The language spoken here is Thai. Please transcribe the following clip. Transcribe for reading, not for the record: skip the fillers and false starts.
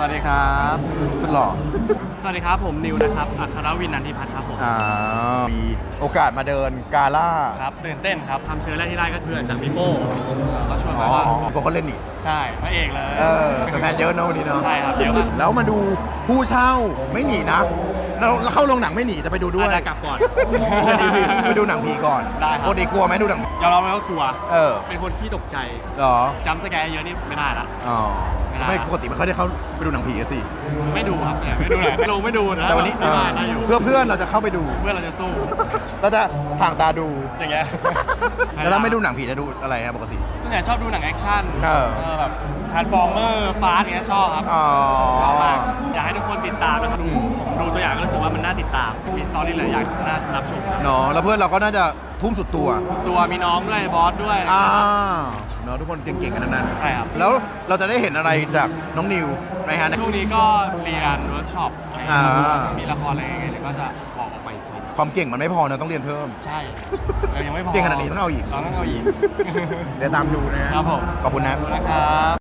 วัสดีครับสุดหล่อสวัสดีครับผมนิวนะครับอัครวินนันทิพัฒน์ครับผมมีโอกาสมาเดินกาล่าครับตื่นเต้นครับทำเชื้อแรกที่ได้ก็เพื่อนจากมิโป้ก็ชวนอ๋มาอว่าพวกเขาเล่นนี่ใช่พระเอกเลยแต่แฟนเยอะเนอะวันนี้เนาะใช่ครับเยอะมากแล้วมาดูผู้เช่าไม่หนีนะเราเข้าโรงหนังไม่หนีจะไปดูด้วยอาจจะกลับก่อนไปดูหนังผีก่อนได้ครับปกติกลัวไหมดูหนังยอมรับเลยว่ากลัว เป็นคนที่ตกใจเหรอจำสแกร์เยอะนี่ไม่ได้ละอ๋อไม่ได้ไม่ปกติไม่ค่อยได้เข้าไปดูหนังผีอะสิไม่ดูครับไม่ดูเลยไม่ดูนะแต่วันนี้ที่บ้านได้อยู่เพื่อเพื่อนเราจะเข้าไปดูเพื่อนเราจะสู้เราจะห่างตาดูอย่างเงี้ยแล้วถ้าไม่ดูหนังผีจะดูอะไรครับปกติตั้งแต่ชอบดูหนังแอคชั่น แบบทาร์ฟอร์เมอร์ฟาสอย่างเงี้ยชอบครับอ๋อชอบมากอยากให้ทุกคนติดตามนะครับดูตัวอย่างก็รู้สึกว่ามันน่าติดตาม มีสตอรี่หลายอย่างน่ารับชมครับเนาะแล้วเพื่อนเราก็น่าจะทุ่มสุดตัวตัวมีน้องด้วยบอสด้วยเนาะทุกคนเก่งๆกันทั้งนั้นใช่ครับแล้วเราจะได้เห็นอะไรจากน้องนิวไหมฮะช่วงนี้ก็เรียนเวิร์กช็อปอ่ามีละครอะไรยังไงเดี๋ยวก็จะบอกออกไปอีกทีความเก่งมันไม่พอนะต้องเรียนเพิ่มใช่เรายังไม่พอเก่งขนาดนี้ต้องเอาอีกเราต้องเอาอีกเดี๋ยวตามดูนะฮะครับผมขอบคุณนะขอบคุณนะครับ